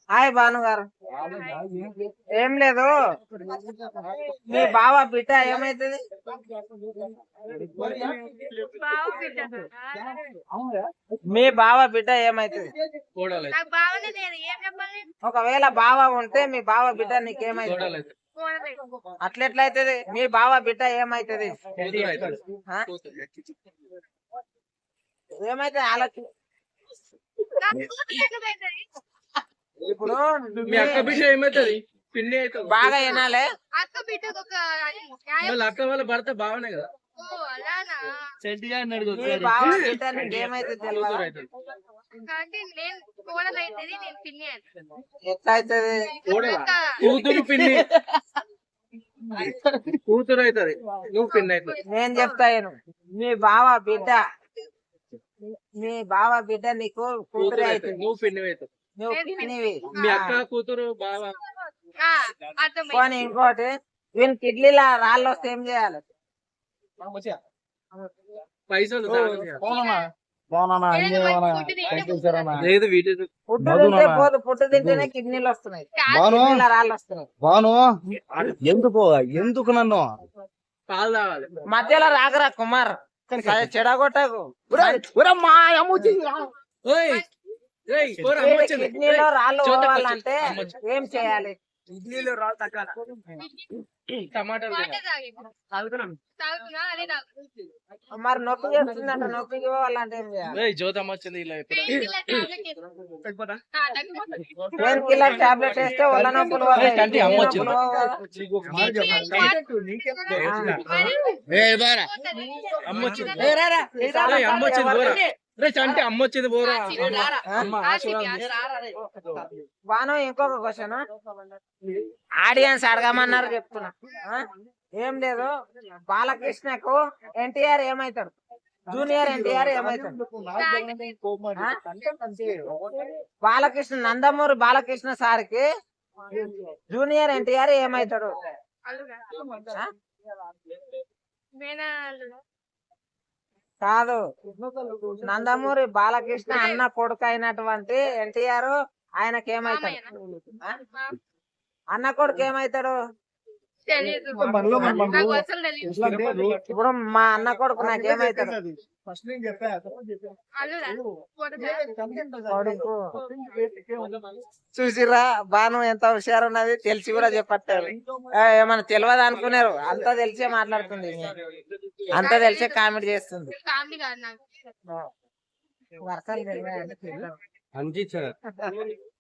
Hi Bhanu గారు. ఏం లేదు, మీ బావ బిడ్డ ఏమైతుంది? మీ బావ బిడ్డ ఏమైతుంది? ఒకవేళ బావ ఉంటే మీ బావ బిడ్డ నీకేమైతుంది? అట్లెట్లయితది? మీ బావ బిడ్డ ఏమైతుంది? ఏమైతే ఆలోచన. ఇప్పుడు మీ అక్క బిడ్డ ఏమైతుంది? పిన్ని అవుతుంది. బాగా వినాలే, అక్క వాళ్ళ భర్త బావనే కదా. మీ బావ బిడ్డ నీకేమైతే తెలియదు. ఎట్లయితది? కూతురు పిన్ని, కూతురు అవుతుంది, నువ్వు పిన్ని అవుతుంది. నేను చెప్తాను, మీ బావ బిడ్డ, మీ బావ బిడ్డ నీకు కూతురే అవుతుంది, నువ్వు పిన్ని అవుతుంది. నువ్వు పిన్నివి. మీ అక్క కూతురు బావ. పోనీ ఇంకోటి, వీని కిడ్నీలో రాళ్ళు వస్తే ఏం చేయాలి? పైసలు లేదు పుట్టు తింటే పోదు, పుట్టు తింటేనే కిడ్నీలు వస్తున్నాయి, కిడ్నీలో రాళ్ళు వస్తున్నాయి. బాను ఎందుకు నన్ను పాలు తాగాలి. మధ్యలో రాకరా కుమార్, చెడగొట్టకు. కిడ్నీలో రాళ్ళు పోవాలంటే ఏం చేయాలి? ఇడ్లీలో రాళ్ళు తగ్గాల. టమాటాలు మరి నొప్పి చేస్తుందంట, నొప్పికి పోవాలంటే ఏం చేయాలి? జ్యోతమ్మ వచ్చింది ఇలా పెయిన్ కిల్లర్ టాబ్లెట్ వేస్తే ఒళ్ళ నొప్పులు పోతాయి. చంటి అమ్మ వచ్చింది. చంటి అమ్మ వచ్చింది పోరా. బాను, ఇంకొక క్వశ్చన్ ఆడియన్స్ అడగమన్నారు, చెప్తున్నా. ఏం లేదు, బాలకృష్ణకు ఎన్టీఆర్ ఏమైతాడు? జూనియర్ ఎన్టీఆర్ ఏమైతాడు? బాలకృష్ణ, నందమూరి బాలకృష్ణ సార్కి జూనియర్ ఎన్టీఆర్ ఏమైతాడు? కాదు, నందమూరి బాలకృష్ణ అన్న కొడుకు అయినటువంటి ఎన్టీఆర్ ఆయనకి ఏమైతాడు? అన్న కొడుకు ఏమైతాడు? ఇప్పుడు మా అన్న కొడుకు నాకేమైతాడు? కొడుకు. చూసిరా బాను ఎంత హుషారు ఉన్నది, తెలిసి కూడా చెప్పట్లేదు. ఏమన్నా తెలియదు అనుకున్నారు, అంతా తెలిసే మాట్లాడుతుంది, అంతా తెలిసే కామెడీ చేస్తుంది. వర్షాలు